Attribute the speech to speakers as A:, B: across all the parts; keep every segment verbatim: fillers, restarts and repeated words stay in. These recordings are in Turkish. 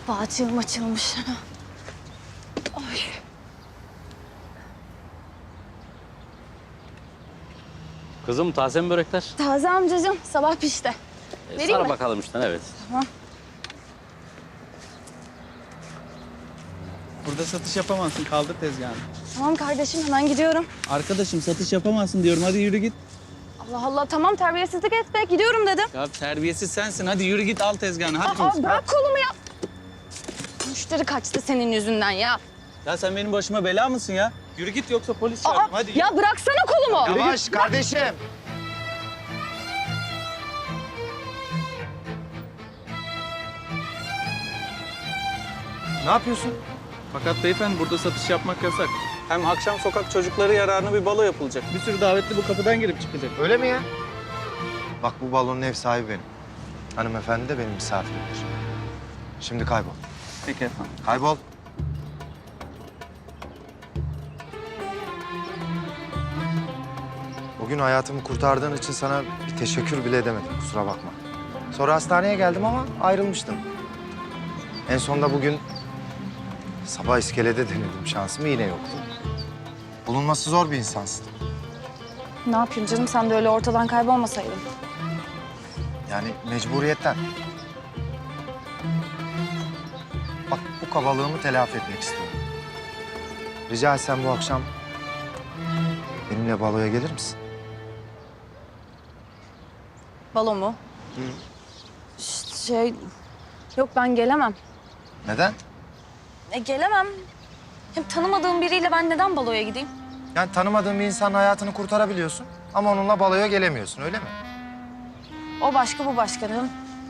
A: Bağcığım açılmış. Ay.
B: Kızım taze mi börekler?
A: Taze amcacığım, sabah pişti.
B: E,
A: Vereyim
B: Sara
A: mi?
B: bakalım işte, evet.
A: Tamam.
C: Burada satış yapamazsın. Kaldır tezgahını.
A: Tamam kardeşim, hemen gidiyorum.
C: Arkadaşım satış yapamazsın diyorum. Hadi yürü git.
A: Allah Allah, tamam terbiyesizlik etme. Gidiyorum dedim.
C: Ya terbiyesiz sensin. Hadi yürü git al tezgahını. Hadi.
A: Aa, bırak kolumu ya. Müşteri kaçtı senin yüzünden ya.
C: Ya sen benim başıma bela mısın ya? Yürü git yoksa polis
A: Aa,
C: çağırırım. Hadi.
A: ya bıraksana kolumu.
D: Yavaş kardeşim. Ne yapıyorsun?
C: Fakat beyefendi burada satış yapmak yasak. Hem akşam sokak çocukları yararına bir balo yapılacak. Bir sürü davetli bu kapıdan girip çıkacak.
D: Öyle mi ya? Bak bu balonun ev sahibi benim. Hanımefendi de benim misafirimdir. Şimdi kaybol.
C: Peki efendim.
D: Kaybol. Bugün hayatımı kurtardığın için sana bir teşekkür bile edemedim. Kusura bakma. Sonra hastaneye geldim ama ayrılmıştım. En sonunda bugün sabah iskelede denedim şansımı, yine yoktu. Bulunması zor bir insansın.
A: Ne yapayım canım, sen de öyle ortadan kaybolmasaydın.
D: Yani mecburiyetten. Bak bu kabalığımı telafi etmek istiyorum. Rica etsem bu akşam benimle baloya gelir misin?
A: Balo mu?
D: Hı.
A: Ş- Şey, yok ben gelemem.
D: Neden?
A: E gelemem. Hem tanımadığım biriyle ben neden baloya gideyim?
D: Yani tanımadığın bir insanın hayatını kurtarabiliyorsun ama onunla baloya gelemiyorsun, öyle mi?
A: O başka, bu başka değil mi?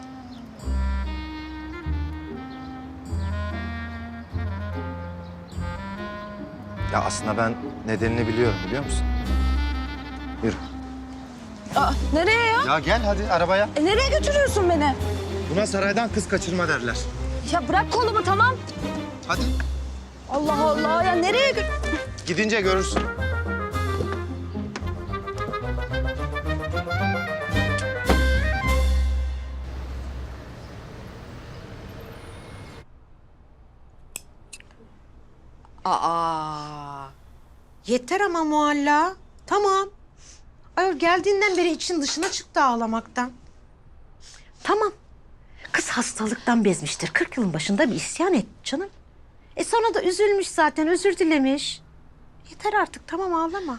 D: Ya aslında ben nedenini biliyorum, biliyor musun? Yürü.
A: Aa, nereye ya?
D: Ya gel hadi arabaya.
A: E, nereye götürüyorsun beni?
D: Buna saraydan kız kaçırma derler.
A: Ya bırak kolumu, tamam.
D: Hadi.
A: Allah Allah, ya nereye gö...
D: Gidince görürsün.
E: Aa, yeter ama Mualla. Tamam. Ayol geldiğinden beri için dışına çıktı ağlamaktan. Tamam. Kız hastalıktan bezmiştir. Kırk yılın başında bir isyan etti canım. E sonra da üzülmüş zaten, özür dilemiş. Yeter artık, tamam ağlama.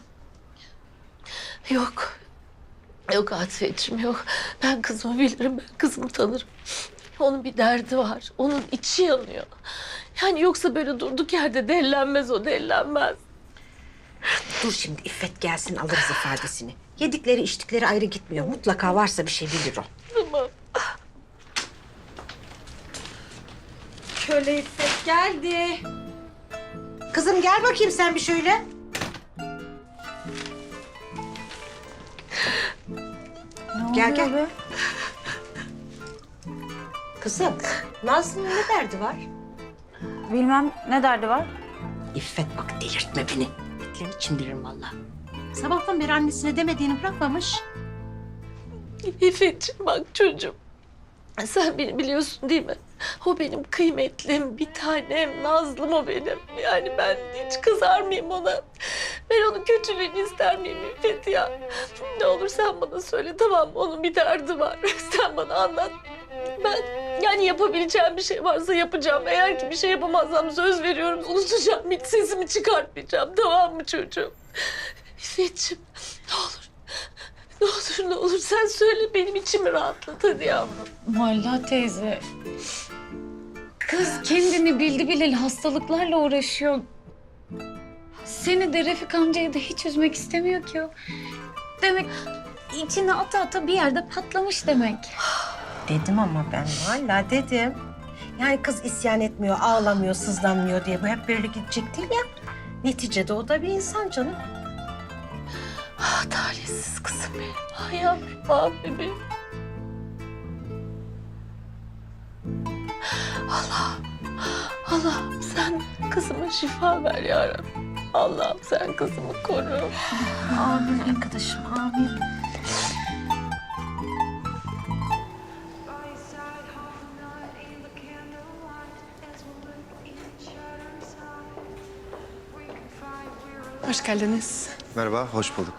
F: Yok. Yok Atifeciğim, yok. Ben kızımı bilirim, ben kızımı tanırım. Onun bir derdi var, onun içi yanıyor. Yani yoksa böyle durduk yerde dellenmez o, dellenmez.
E: Dur şimdi İffet gelsin, alırız ifadesini. Yedikleri içtikleri ayrı gitmiyor. Mutlaka varsa bir şey bilir o.
F: Tamam.
E: Şöyle İffet geldi. Kızım gel bakayım sen bir şöyle. Gel gel.
A: be?
E: Kızım, Nazlı'nın ne derdi var?
A: Bilmem, ne derdi var?
E: İffet bak delirtme beni. Etlerini çindiririm vallahi. Sabahtan beri annesine demediğini bırakmamış.
F: İffetciğim bak çocuğum. Sen beni biliyorsun değil mi? O benim kıymetlim, bir tanem, Nazlım o benim. Yani ben hiç kızar mıyım ona? Ben onun kötülüğünü ister miyim İffet ya? Ne olur sen bana söyle, tamam mı? Onun bir derdi var. Sen bana anlat. Ben yani yapabileceğim bir şey varsa yapacağım. Eğer ki bir şey yapamazsam söz veriyorum, unutacağım. Hiç sesimi çıkartmayacağım, tamam mı çocuğum? İffetciğim ne olur. Ne olur ne olur sen söyle, benim içimi rahatlat hadi yavrum.
G: Mualla teyze. Kız kendini bildi bileli hastalıklarla uğraşıyor. Seni de Refik amcayı da hiç üzmek istemiyor ki o. Demek içine ata ata bir yerde patlamış demek.
E: Dedim ama ben hala dedim. Yani kız isyan etmiyor, ağlamıyor, sızlanmıyor diye bu hep böyle gidecek değil ya. Neticede o da bir insan canım.
F: Ah talihsiz kızım benim. Ah yavrum, ah bebeğim. Allah'ım, Allah'ım sen kızıma şifa ver yarabbim. Allah'ım sen kızımı koru.
A: Amin arkadaşım, amin.
H: Hoş geldiniz.
D: Merhaba, hoş bulduk.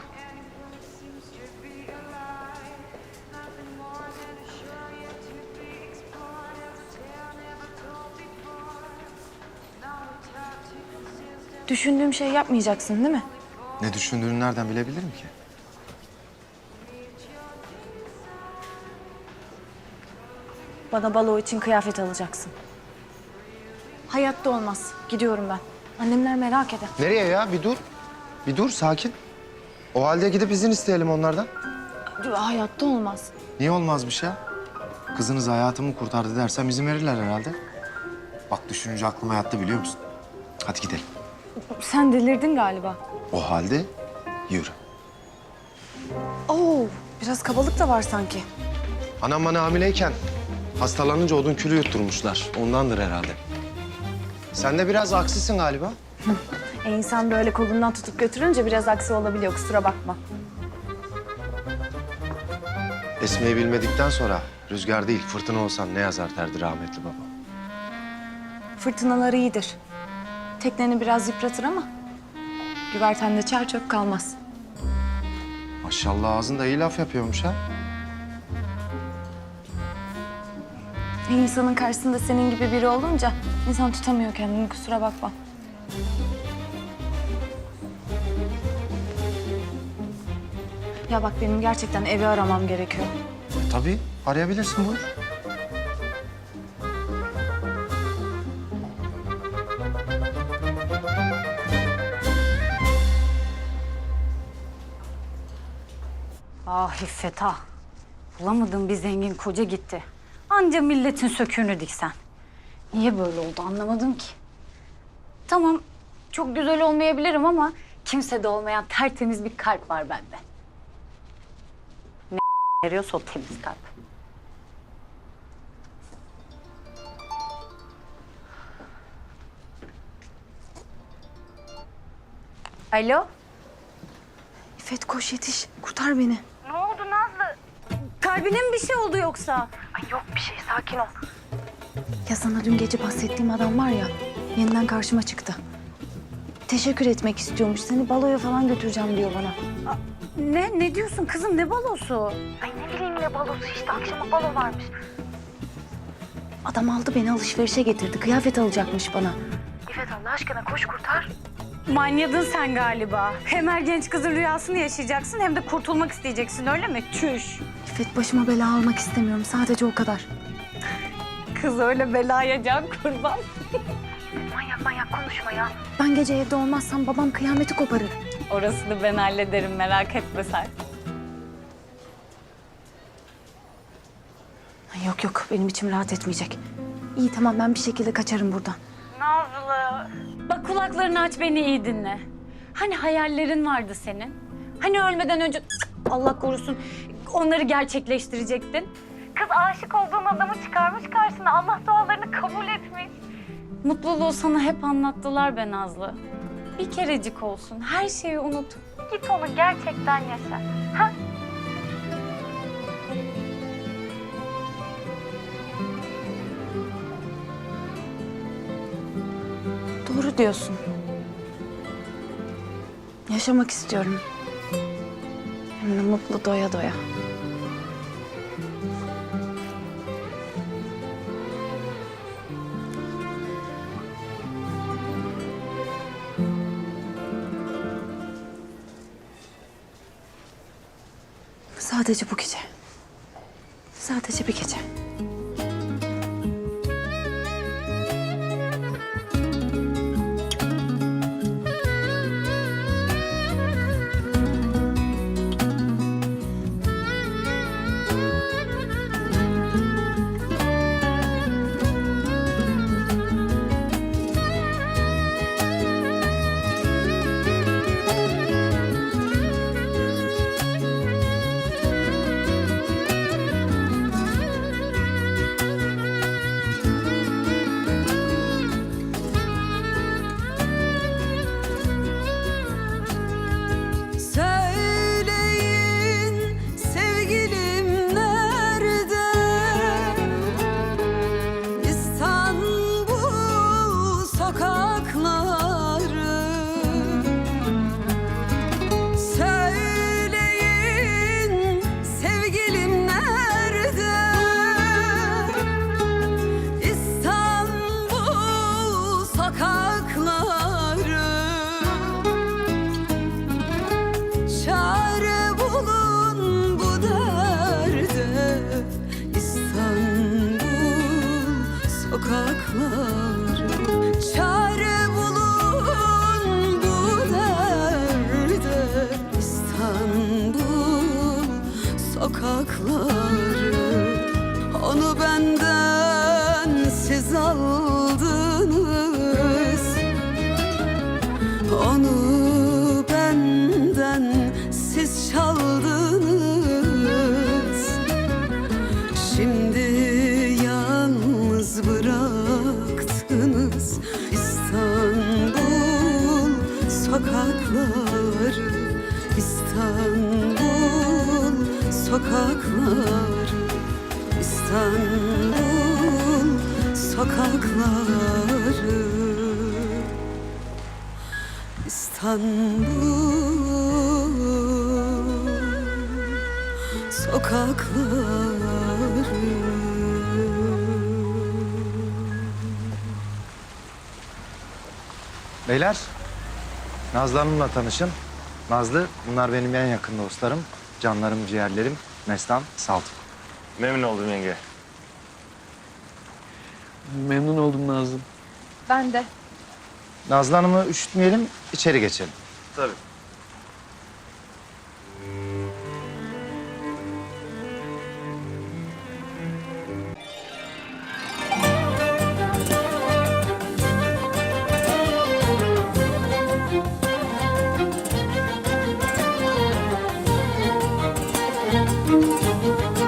A: Düşündüğüm şey yapmayacaksın değil mi?
D: Ne düşündüğünü nereden bilebilirim ki?
A: Bana balo için kıyafet alacaksın. Hayatta olmaz. Gidiyorum ben. Annemler merak eder.
D: Nereye ya? Bir dur. Bir dur, sakin. O halde gidip izin isteyelim onlardan.
A: Hayatta olmaz.
D: Niye olmazmış ya? Kızınız hayatımı kurtardı dersem izin verirler herhalde. Bak düşününce aklıma yattı biliyor musun? Hadi gidelim.
A: Sen delirdin galiba.
D: O halde yürü.
A: Oo, biraz kabalık da var sanki.
D: Anam bana hamileyken hastalanınca odun külü yutturmuşlar. Ondandır herhalde. Sen de biraz aksisin galiba.
A: E insan böyle kolundan tutup götürünce biraz aksi olabiliyor, kusura bakma.
D: Esmeyi bilmedikten sonra rüzgar değil fırtına olsan ne yazar derdi rahmetli baba.
A: Fırtınalar iyidir. Tekneni biraz yıpratır ama güvertende çer çöp kalmaz.
D: Maşallah ağzında iyi laf yapıyormuş ha.
A: E insanın karşısında senin gibi biri olunca insan tutamıyor kendini, kusura bakma. Ya bak benim gerçekten evi aramam gerekiyor.
D: Tabii arayabilirsin buyur.
G: Ah İffet ah. Bulamadığım bir zengin koca gitti. Anca milletin söküğünü diksen. Niye böyle oldu anlamadım ki. Tamam çok güzel olmayabilirim ama kimsede olmayan tertemiz bir kalp var bende. Ne veriyorsa o temiz kalp. Alo?
A: İffet koş yetiş, kurtar beni.
G: Ne oldu Nazlı? Kalbine mi bir şey oldu yoksa?
A: Ya sana dün gece bahsettiğim adam var ya, yeniden karşıma çıktı. Teşekkür etmek istiyormuş, seni baloya falan götüreceğim diyor bana.
G: Ne? Ne diyorsun kızım? Ne balosu?
A: Adam aldı beni alışverişe getirdi, kıyafet alacakmış bana.
G: Manyadın sen galiba. Hem her genç kızın rüyasını yaşayacaksın hem de kurtulmak isteyeceksin öyle mi? Çüş.
A: İffet başıma bela almak istemiyorum, sadece o kadar.
G: Kız öyle belaya can kurban.
A: Ben gece evde olmazsam babam kıyameti koparır.
G: Orasını ben hallederim merak etme sen.
A: Ay Yok yok, benim içim rahat etmeyecek. İyi tamam, ben bir şekilde kaçarım buradan.
G: Nazlı. Bak kulaklarını aç beni iyi dinle. Hani hayallerin vardı senin? Hani ölmeden önce cık, Allah korusun onları gerçekleştirecektin? Kız aşık olduğun adamı çıkarmış karşına. Allah dualarını kabul etmiş. Mutluluğu sana hep anlattılar be Nazlı. Bir kerecik olsun. Her şeyi unut. Git onu gerçekten yaşa. Ha?
A: Doğru diyorsun. Yaşamak istiyorum. Hem de mutlu doya doya. Sadece bu gece. Sadece bir gece.
H: sokakları. Çare bulun bu derde, İstanbul sokakları. Onu benden siz aldınız, onu benden siz çaldınız. Şimdi yalnız bıraktınız İstanbul sokakları, İstanbul sokakları, İstanbul sokakları, İstanbul sokakları.
D: Beyler, Nazlı Hanım'la tanışın. Nazlı, bunlar benim en yakın dostlarım. Canlarım, ciğerlerim. Mestan, Saltuk.
I: Memnun oldum yenge.
C: Memnun oldum Nazlı.
A: Ben de.
D: Nazlı Hanım'ı üşütmeyelim, içeri geçelim.
I: Tabii.
H: Müzik